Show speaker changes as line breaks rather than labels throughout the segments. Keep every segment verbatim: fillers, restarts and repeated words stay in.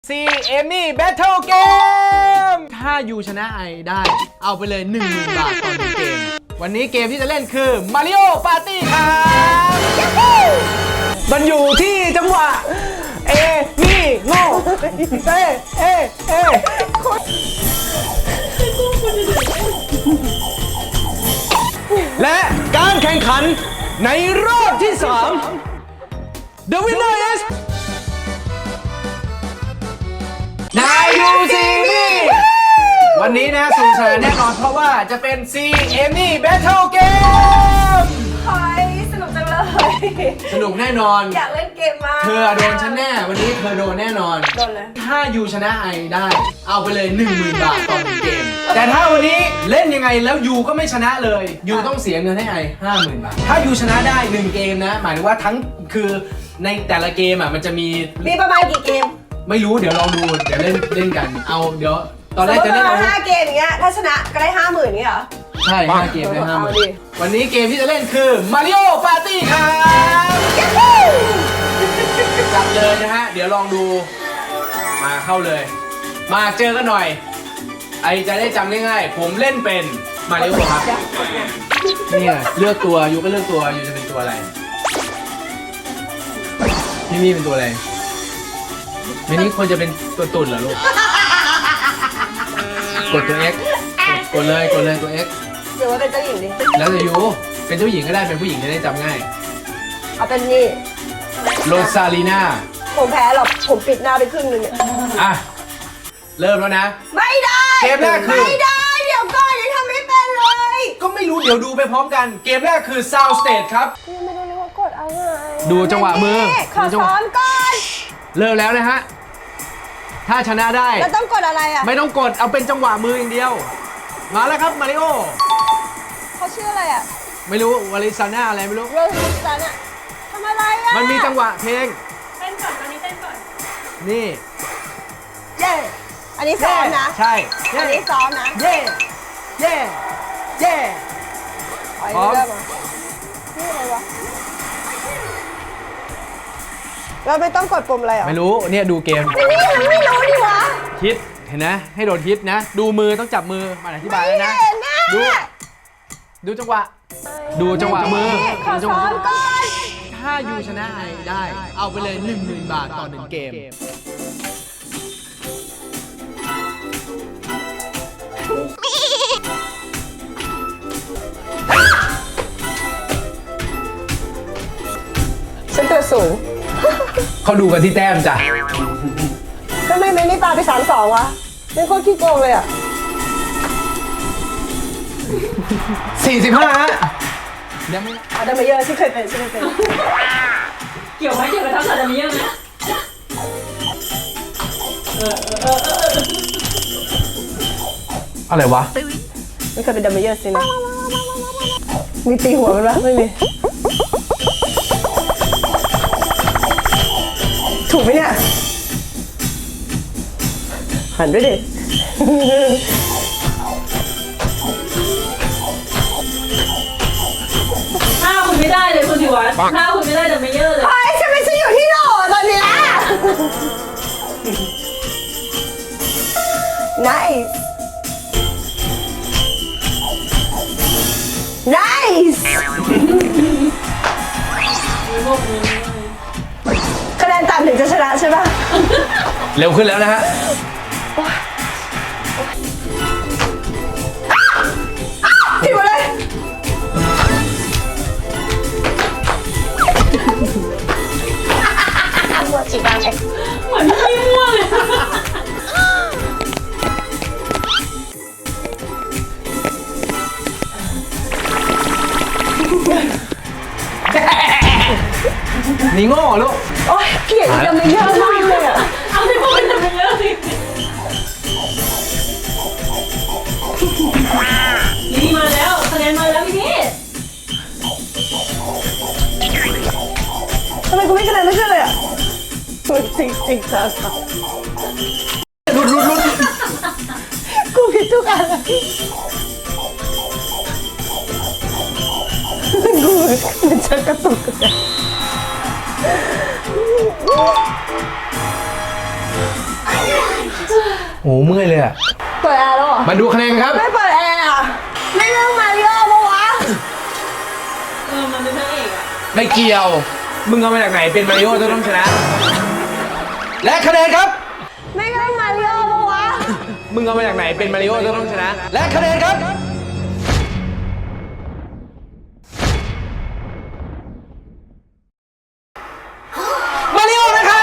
ซีเอมี่แบทเทิลเกมถ้ายูชนะไอได้เอาไปเลย หนึ่งหมื่น บาทต่อหนึ่งเกมวันนี้เกมที่จะเล่นคือ Mario Party ครับมันอยู่ที่จังหวะเอมี่โง่เอเอเอและการแข่งขันในรอบที่สาม The winner is นายยูซีมีวันนี้นะสนุกสนานแน่นอนเพราะว่าจะเป็น ซี เอมี่ Battle Game
เฮ้ยสนุกจังเลย
สนุกแน่นอน
อยากเล่นเกมมาก
เธอโดนฉันแน่วันนี้เธอโดนแน่นอน
โดนเลย
ถ้ายูชนะไอได้เอาไปเลย หนึ่งหมื่น บาทต่อหนึ่งเกมแต่ถ้าวันนี้เล่นยังไงแล้วยูก็ไม่ชนะเลยยูต้องเสียเงินให้ไอ ห้าหมื่น บาทถ้ายูชนะได้หนึ่งเกมนะหมายถึงว่าทั้งคือในแต่ละเกมอ่ะมันจะมี
มีประมาณกี่เกม
ไม่รู้เดี๋ยวลองดูเดี๋ยวเล่นเล่นกันเอาเดี๋ยวตอน
ส
แร
ม
ก
ม
จะ
ติ
เล่น
ว่า
เอา
ห้าเกมอย่างเงี้ยถ้าชนะก็ได้ห้าหมื่นนี่เหรอ
ใช่ห้าเกมได้ห้าหมื่น
เอาดิ
วันนี้เกมที่จะเล่นคือ Mario Party ครับจับเลยนะฮะเดี๋ยวลองดูมาเข้าเลย มาเจอกันหน่อยไอจะได้จำง่ายๆผมเล่นเป็นมาริโอครับเนี่ยเลือกตัวยูก็เลือกตัวยูจะเป็นตัวอะไรนี่นี่เป็นตัวอะไรไม่นี่ควรจะเป็นตัวตุ่นเหรอลูกกดตัว X กดเลยกดเลยตัว X
หรือว่าเป็นเจ้าหญิงดิ
แล้วแต่ยูเป็นเจ้าหญิงก็ได้เป็นผู้หญิงจะได้จำง่าย
เอาเป็นนี่
โรซาลีนา
ผมแพ้หรอกผมปิดหน้าไปครึ่งนึงเนี่ย
อ่ะเริ่มแล้วนะ
ไม่ได้
เกมแรกคือ
ไม่ได้เดี๋ยวก่อนยังทำไม่เป็นเลย
ก็ไม่รู้เดี๋ยวดูไปพร้อมกันเกมแรกคือ Sound Stage ครับ
ยังไม่รู้เลยว่ากดอะไร
ดูจังหวะมือ
ขอซ้อมก่อน
เริ่มแล้วนะฮะถ้าชนะได้
แล้วต้องกดอะไรอ่ะ
ไม่ต้องกดเอาเป็นจังหวะมืออย่างเดียวมาแล้วครับมาริโอ
เขาชื่ออะไรอ่ะ
ไม่รู้วาลิซาน่าอะไรไม่รู้
โรสซันอ่ะทำอะไรอ่ะ
มันมีจังหวะเพลง
เต้นก่อนตอนนี้เต้นก่อน
นี่
เย่อันนี้ซ้อมนะ
ใช่
อันนี้ซ้อมนะ
เย่เย่เย่
อ๋อ
พร้อม
เริ่มอ่ะนี่อะไรวะเราไม่ต้องกดปุ่มอะไรเหรอ
ไม่รู้เนี่ยดูเกม
นี่ยังไม่รู้ดิวะ
คิดเห็นนะให้โดนคิดนะ ดูมือต้องจับมือมาอธิบายแล้วนะ
ไม่เห็นนะ
ดูดูจังหวะ ดูจังหวะมือ
ขอ
ดูจังห
ซ้
วะ
อมก่อน
ถ้ายูชนะไอได้เอาไปเลย หนึ่งหมื่น บาทต่อหนึ่งเกม
ฉันตัวสูง
เขาดูกันที่แต้มจ้ะ
ทำไมไม่ไม่ปาไปสามสองวะเป็นโคตรขี้โกงเลยอ่ะ
สี่สิบห้าฮะเดี๋ยวไม่
อาดัมเมเยอร์ที่เคยเป็นที่เคยเป็น
เกี่ยวไหมเกี่ยวกับทักษะจะมีเยอะไหมเออเออเออเออ
อะไรวะ
ไม่เคยเป็นดัมเมเยอร์สินะมีตีหัวมันปะไม่มีถูกไหมเนี่ยหันด้วยดิ
ถ้าคุณไม่ได้เลยคุณสิวัฒน์ถ้าคุณไม่ได้จะไม่เยอะเลย
เฮ้ยฉันไม่ใช่อยู่ที่โหลตอนเนี้ย nice nice คะแนนต่ำถึงจะชนะใช่ปะ
เร็วขึ้นแล้วนะฮะ
ผิดหมดเลยหมดจีบางเอง
เหมือนพี่มั่วเลย
นี่โง่ลูก
โอ๊ยเกลียดดัมเมเยอร์มากเลยอ่ะ
เอาที่พวกมันจะไม่เยอะสินี่มาแล้วคะแนนมาแล้วพี่
ทำไมกูไม่คะแนนไม่ขึ้นเลยอ่ะจริงจริงจ้า
หลุดหลุดหลุด
กูผิดทุกอันเลยกูมันจะกระตุกกัน
เโอ้เมื่อยเลยอะ
เปิดแอร์แล้วเหรอ
มาดูคะแนนครับ
ไม่เปิดแอร์อ่ะไม่เรื่องมาริโอปะวะ
เออมันเป็นพระเอกอะ
ไม่เกี่ยว มึงเอามาจากไหนเป็นมาริโอจะต้องชนะ และคะแนนครับ
ไม่เรื่องมาริโอปะวะ
มึงเอามาจากไหนเป็นมาริโอจะต้องชนะ และคะแนนครับ มาริโอนะครับ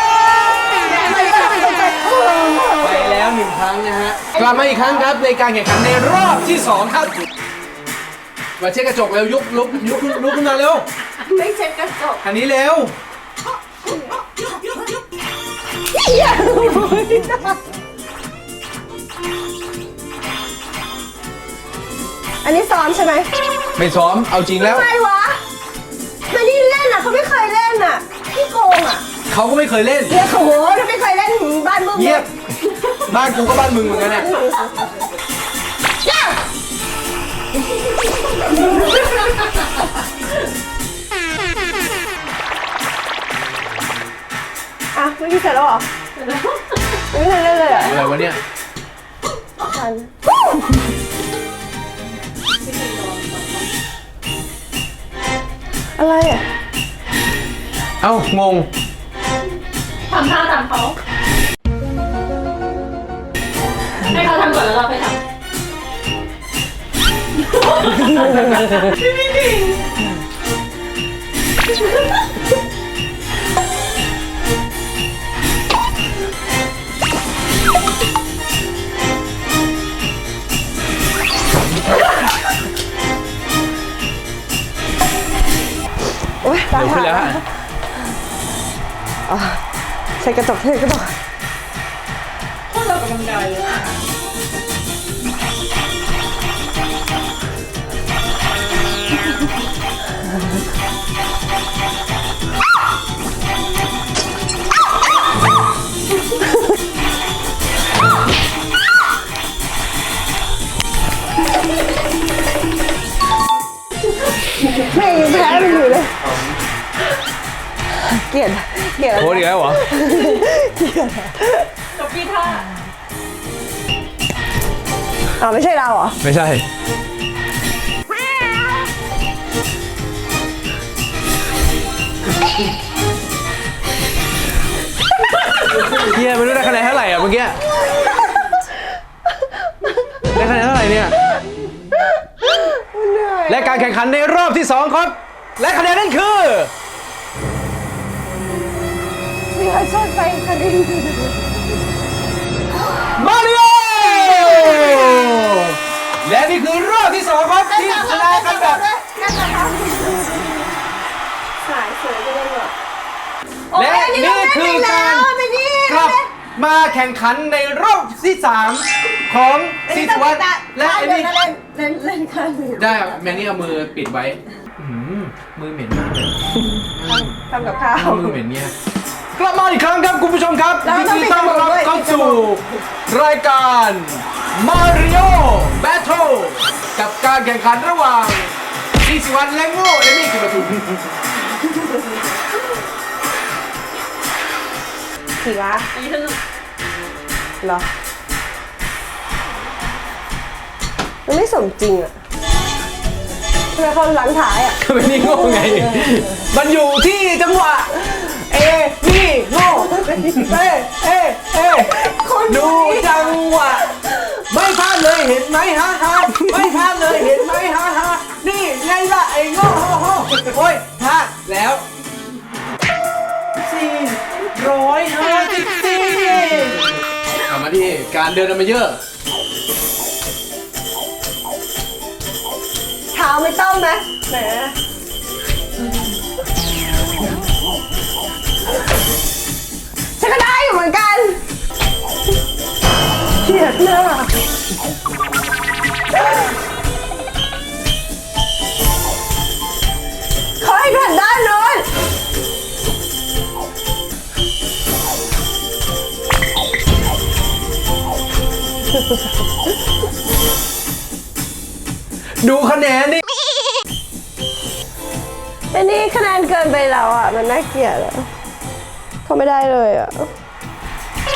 ไปแล้วหนึ่งครั้งนะฮะ กลับมาอีกครั้งครับในการแข่งขันในรอบที่สองครับ มาเช็ดกระจกเร็วยุบลุกยุบลุกขึ้นมาเร็ว
ไม่เช็ดกระจก
อันนี้เร็ว
อันนี้ซ้อมใช่ไหม
ไม่ซ้อมเอาจริงแล้ว
ทำไมวะมานี่เล่นอ่ะเขาไม่เคยเล่นอ่ะพี่โกงอ่ะ
เขาก็ไม่เคยเล่น
เรียกเขาโหถ้าไม่เคยเล่นบ้านมึง
เงียบ บ้านกูก็บ้านมึงเหมือนกันเนี่ย
อ่ะไม่ได้เสร็จแล้วเหรอไม่เคยเล่นเลยอ่ะ
อะไรวะเนี่ย
ทันอะไรอ่ะ
เอ้างง
ทำท่าตามเขาให้เขาทำก่อนแล้วเราไปทำไม่จริง
โอ๊ยตาย
เร็วขึ้นแล้วฮะ
ใช้กระจกเทกระจก
พวกเรากำลังกายเลยอะ
แม่ยังแพ้มันอยู่เลย เกลียดเกลียด
โค้ดอีกแล้วเหรอ
กับพี่ท่า
อ๋อไม่ใช่เราเหรอ
ไม่ใช่ เฮียไม่รู้ได้คะแนนเท่าไหร่อ่ะเมื่อกี้ ได้คะแนนเท่าไหร่เนี่ย
เหนื่อย
และการแข่งขันในรอบที่สองครับ และคะแนนนั่นคือ
มีใครชอบไปคดี
มาริโอ และนี่คือรอบที่สองครับที่ชนะกันแบบ
สายสวยก็ได้หรอ
และนี่คือการกลับมาแข่งขันในรอบที่สามของซีสวัตและเอมี่
เล่นเล่นเล่นข้างอื่น
ได้แมนนี่เอามือปิดไว้อื้อหือมือเหม็นมากเลย
ทำกับข้าว
มือเหม็นเนี่ยกลับมาอีกครั้งครับคุณผู้ชมครับ
แล้ว
ยิน
ต้อง
ดี
ปิด
ต้อน
จมูก
รับ
ด้วย
เข้า
ปิดจ
สู่
มูก
รายการ Mario Battle กับการแข่งขันระหว่างซีสวัตและโง่เอมี่กิมทุน
ขี่วะ
อันนี้สนุก
เหรอมันไม่สมจริงอ่ะทำไมเขาหลังถ่ายอ่ะ
ก็ไม่นี่โง่ไง มันอยู่ที่จังหวะ เอนี่โง่เอเอเอ
คน
ดูจังหวะ ไม่พลาดเลยเห็นไหมฮะฮะไม่พลาดเลยเห็นไหมฮะฮะนี่ไงล่ะไอ้โง่โง่โง่โอ้ยพลาดแล้วสี่ร้อยห้าสิบสี่กลับมาที่การเดินมาเยอะ
เท้าไม่ต้องนะแหมฉันก็ได้อยู่เหมือนกันเฉียดหน้าเขาให้ผ่านด้านโน้น
ดูคะแนนนี่
อันนี้คะแนนเกินไปแล้วอ่ะ มันน่าเกลียดอ่ะเขาไม่ได้เลยอ่ะ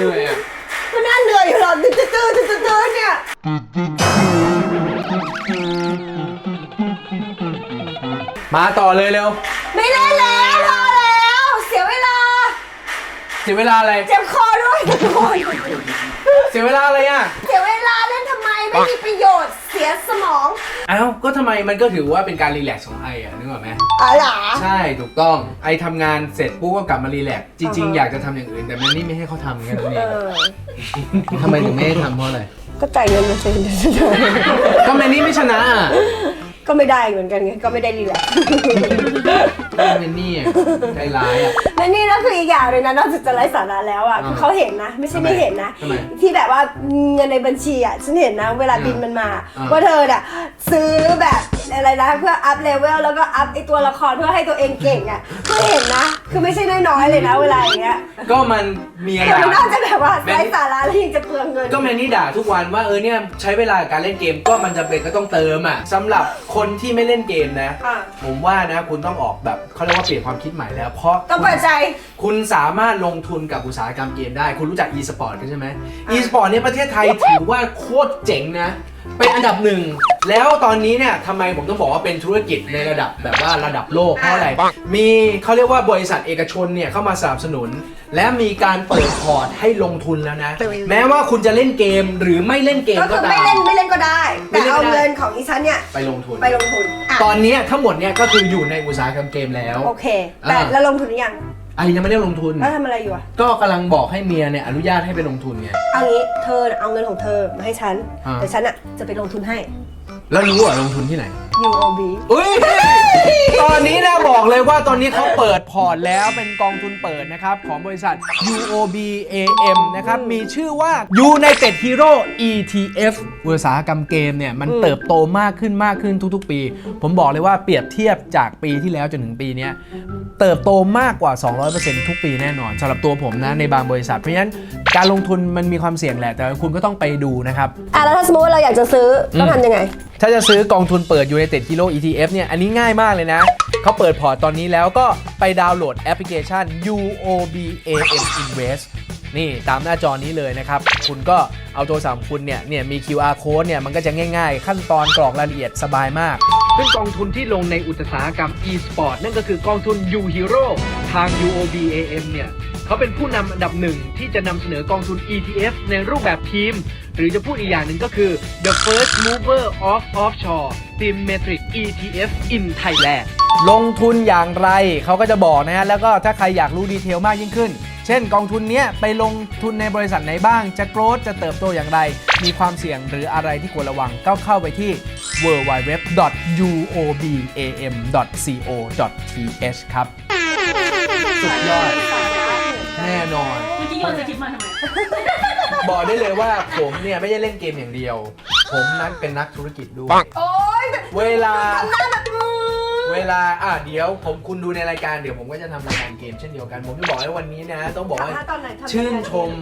เหนื่อยอ่ะ
ก็น่าเหนื่อยอยู่หรอกตื้อตื้อตื้อตื้อตื้อเนี่ย
มาต่อเลยเร็ว
ไม่เล่นแล้วพอแล้วเสียเวลา
เสียเวลาอะไร
เจ็บคอด้วยทุกคน
เสียเวลาอะไรอ่ะ
เสียเวลาเล่นทำไมไม่มีประโยชน์เสียสมอง
เอ้าก็ทำไมมันก็ถือว่าเป็นการรีแลกซ์ของไออ่ะนึกออกไหม
อ๋อเหรอ
ใช่ถูกต้องไอทำงานเสร็จปุ๊บก็กลับมารีแลกซ์จริง
อ่า
ๆ
ฮะ
อยากจะทำอย่างอื่นแต่มันนี่ไม่ให้เขาทำกันนั่นเอ
เอง อ
ทำไมถึงไม่ให้ทำเพราะอะไร
ก็จ่ายเงินมาสิ
ก็แมนนี่ไม่ชนะอ่ะ
ก็ไม่ได้เหมือนกันไงก็ไม่ได้รีแลกซ์
ก็แมนนี่อ่ะใจร้ายอ่ะ
และนี่ก็คืออีกอย่างเลยนะนอกจากจะไร้สาระแล้วอ่ะ
อ่า
คือเขาเห็นนะ ไม่ใช่ไม่เห็นนะ
ทำไม
ที่แบบว่าเงินในบัญชีอ่ะฉันเห็นนะ เวลาบินมันมา
อ่า
ว่าเธอน่ะซื้อแบบอะไรนะเพื่ออัพเลเวลแล้วก็อัพไอตัวละครเพื่อให้ตัวเองเก่งอ่ะก็เห็นนะ คือไม่ใช่น้อยๆเลยนะเวลาอย่างเงี้ย
ก็มันมีอะไร
แต่มันน่าจะแบบว่าไร้สาระแล้วยังจะเปลืองเงิน
ก็แมนนี่ด่าทุกวันว่าเออเนี่ยใช้เวลากับการเล่นเกมก็มันจำเป็นก็ต้องเติมอ่ะสำหรับคนที่ไม่เล่นเกมนะ
อ่ะ
ผมว่านะคุณต้องออกแบบเขาเรียกว่าเปลี่ยนความคิดใหม่แล้ว เพราะ
ต้องเปิดใจ
คุณสามารถลงทุนกับอุตสาหกรรมเกมได้ คุณรู้จัก e-sport กันใช่ไหม e-sport เนี่ยประเทศไทยถือว่าโคตรเจ๋งนะ เป็นอันดับหนึ่ง แล้วตอนนี้เนี่ยทำไมผมต้องบอกว่าเป็นธุรกิจในระดับแบบว่าระดับโลกเพราะอะไร มีเขาเรียกว่าบริษัทเอกชนเนี่ยเข้ามาสนับสนุน และมีการเปิดพอร์ตให้ลงทุนแล้วนะ แม้ว่าคุณจะเล่นเกมหรือไม่เล่นเกม
ก็
ก็
คือ
ตา
ไม่
ม
เล่นไม่เล่นก็ได้
ไม่
แต่
เล่นก็
เอา
ได้
เงินของอีฉันเนี่ย
ไปลงทุน
ไปลงทุนอ่ะ
ตอนนี้ทั้งหมดเนี่ยก็คืออยู่ในอุตสาหกรรมเกมแล้ว
โอเค แต่
อ่า
แล้วลงทุนหรือยัง
ไอ้ยังไม่ได้ลงทุน
แล้วทำอะไรอยู่อะ
ก็กำลังบอกให้เมียเนี่ยอนุญาตให้ไปลงทุนไง
เอางี้เธอน่ะเอาเงินของเธอมาให้ฉัน
อ่า
แต่ฉันอ่ะจะไปลงทุนให้
แล้วรู้เหรอลงทุนที่ไหน
ยู โอ บี
อุ้ย ตอนนี้นะบอกเลยว่าตอนนี้เขาเปิดพอร์ตแล้วเป็นกองทุนเปิดนะครับ ของบริษัท ยู โอ บี เอ เอ็ม นะครับ มีชื่อว่า United Hero อี ที เอฟ อุตสาหกรรมเกมเนี่ย มันเติบโตมากขึ้นมากขึ้นทุกๆ ปี ผมบอกเลยว่าเปรียบเทียบจากปีที่แล้วจนถึงปีนี้เติบโตมากกว่า สองร้อยเปอร์เซ็นต์ ทุกปีแน่นอนสำหรับตัวผมนะในบางบริษัทเพราะฉะนั้นการลงทุนมันมีความเสี่ยงแหละแต่คุณก็ต้องไปดูนะครับ
อ่ะแล้วถ้าสมมติว่าเราอยากจะซื้อต้องทำยังไง
ถ้าจะซื้อกองทุนเปิด United Hero อี ที เอฟ เนี่ย อันนี้ง่ายมากเลยนะ เขาเปิดพอร์ตตอนนี้แล้วก็ไปดาวน์โหลดแอปพลิเคชัน ยู โอ บี เอ เอ็ม Invest นี่ตามหน้าจอนี้เลยนะครับ คุณก็เอาโทรศัพท์ของคุณเนี่ยเนี่ยมี คิว อาร์ Code เนี่ยมันก็จะง่ายๆ ขั้นตอนกรอกรายละเอียดสบายมาก ซึ่งกองทุนที่ลงในอุตสาหกรรม e-sport นั่นก็คือกองทุน U Hero ทาง ยู โอ บี เอ เอ็ม เนี่ย เขาเป็นผู้นำอันดับหนึ่งที่จะนำเสนอกองทุน อี ที เอฟ ในรูปแบบทีม หรือจะพูดอีกอย่างหนึ่งก็คือ the first mover of offshore symmetric อี ที เอฟ in Thailand ลงทุนอย่างไรเขาก็จะบอกนะฮะ แล้วก็ถ้าใครอยากรู้ดีเทลมากยิ่งขึ้น เช่นกองทุนเนี้ยไปลงทุนในบริษัทไหนบ้าง จะโกรธจะเติบโตอย่างไร มีความเสี่ยงหรืออะไรที่ควรระวังก็เข้าไปที่ ดับเบิลยู ดับเบิลยู ดับเบิลยู ดอท ยู โอ บี เอ เอ็ม ดอท ซี โอ ดอท ที เอช ครับ สุดยอด แน่นอน
เมื่อกี้โยนสคริปต์มาทำไม
บอกได้เลยว่าผมเนี่ยไม่ได้เล่นเกมอย่างเดียว ผมนั้นเป็นนักธุรกิจด้วย
โอ๊ย
เวลา
ทำหน้าแบบอืม
เวลาอ่ะเดี๋ยวผมคุณดูในรายการเดี๋ยวผมก็จะทำรายการเกมเช่นเดียวกัน ผมจะบอกให้วันนี้นะ ต้องบอกว่า
ทำหน้าตอนไหนทำ
ชื่นชม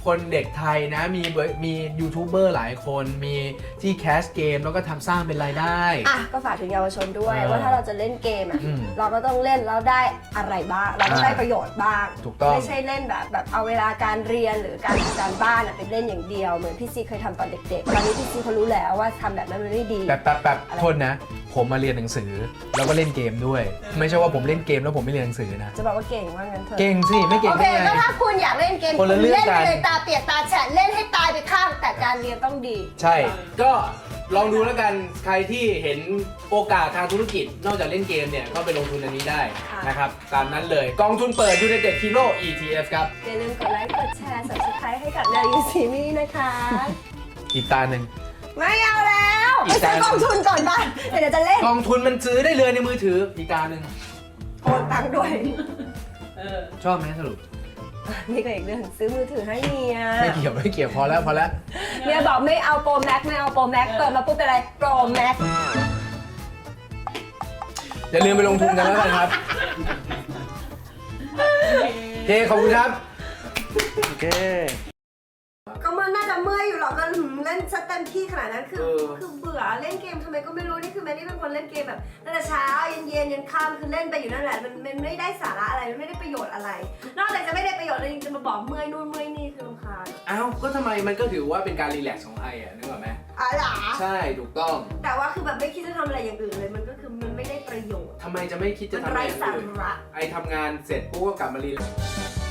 คนเด็กไทยนะมีเบอร์มียูทูบเบอร์หลายคนมีที่แคสเกมแล้วก็ทำสร้างเป็นรายได้
อ่ะก็ฝากถึงเยาวชนด้วย
อ่า
ว่าถ้าเราจะเล่นเกมอ่ะ
อืม
เราก็ต้องเล่นแล้วได้อะไรบ้างเราก็
อ่า
ได้ประโยชน์บ้าง
ถูกต้อง
ไม่ใช่เล่นแบบแบบเอาเวลาการเรียนหรือการทำการบ้านอ่ะไปเล่นอย่างเดียวเหมือนพี่ซีเคยทำตอนเด็กๆตอนนี้พี่ซีเขารู้แล้วว่าทำแบบนั้นมันไม่ดี
แบบแบบแบบโทษนะ ผมมาเรียนหนังสือแล้วก็เล่นเกมด้วย ไม่ใช่ว่าผมเล่นเกมแล้วผมไม่เรียนหนังสือนะ
จะบอกว่าเก่งว่างั้นเถอะ
เก่งสิไม่เก่ง
โอเค
ได้ไง
ก็ถ้าคุณอยากเล่นเกม
คนละเรื่อง
เล่น
กั
ไป
น
เลยตาเปียกตาแฉะเล่นให้ตายไปข้างแต่การเรียนต้องดี
ใช่ ก็ลองดูแล้วกันใครที่เห็นโอกาสทางธุรกิจนอกจากเล่นเกมเนี่ยก็ไปลงทุนอันนี้ได้
ค่ะ
นะครับตามนั้นเลยกองทุนเปิด United Hero อี ที เอฟ ครับ
อย่าลืมกดไลค์กดแชร์ subscribe ให้กับนายูซีมี่นะคะ
อีกตาหนึ่ง
ไม่เอาแล้ว
อี
ไป
ก
ซื้
จาน
อกองทุนก่อนบ้านเดี๋ยวจะเล่น
กองทุนมันซื้อได้เลยในมือถืออีกตาหนึ่ง
โอนตังค์ด้วย
เออ
ชอบไหมสรุป
นี่ก็อีกเรื่องซื้อมือถือให้เมีย
ไม่เกี่ยวไม่เกี่ยวพอแล้วพอแล้ว
เมียบอกไม่เอาโปรแม็กไม่เอาโปรแม็กเปิดมาปุ๊บเป็นอะไรโปรแม็ก
อย่าลืมไปลงทุนกันแล้วกันครับโอเคขอบคุณครับโอเค
ก็มันน่าจะเมื่อยอยู่หรอกก็หืมเล่นซะเต็มที่ขนาดนั้นคือ
เออ
คือเบื่อเล่นเกมทำไมก็ไม่รู้นี่คือแมนนี่เป็นคนเล่นเกมแบบตั้งแต่เช้าเย็นเย็นยันค่ำคือเล่นไปอยู่นั่นแหละมันมันไม่ได้สาระอะไรมันไม่ได้ประโยชน์อะไร นอกจากจะไม่ได้ประโยชน์เลยยังจะมาบอกเมื่อยนู่นเมื่อยนี่คือรำคาญ
อ้าวก็ทำไมมันก็ถือว่าเป็นการรีแลกซ์ของไออ่ะนึกออกไหม
อ๋อเหรอ
ใช่ถูกต้อง
แต่ว่าคือแบบไม่คิดจะทำอะไรอย่างอื่นเลยมันก็คือมันไม่ได้ประโยชน์
ทำไมจะไม่คิดจะ
มัน
ทำอะไร
ไร้
อย่าง
สา
อื่น
ระ
ไอทำงานเสร็จปุ๊บก็กลับมารีแลกซ์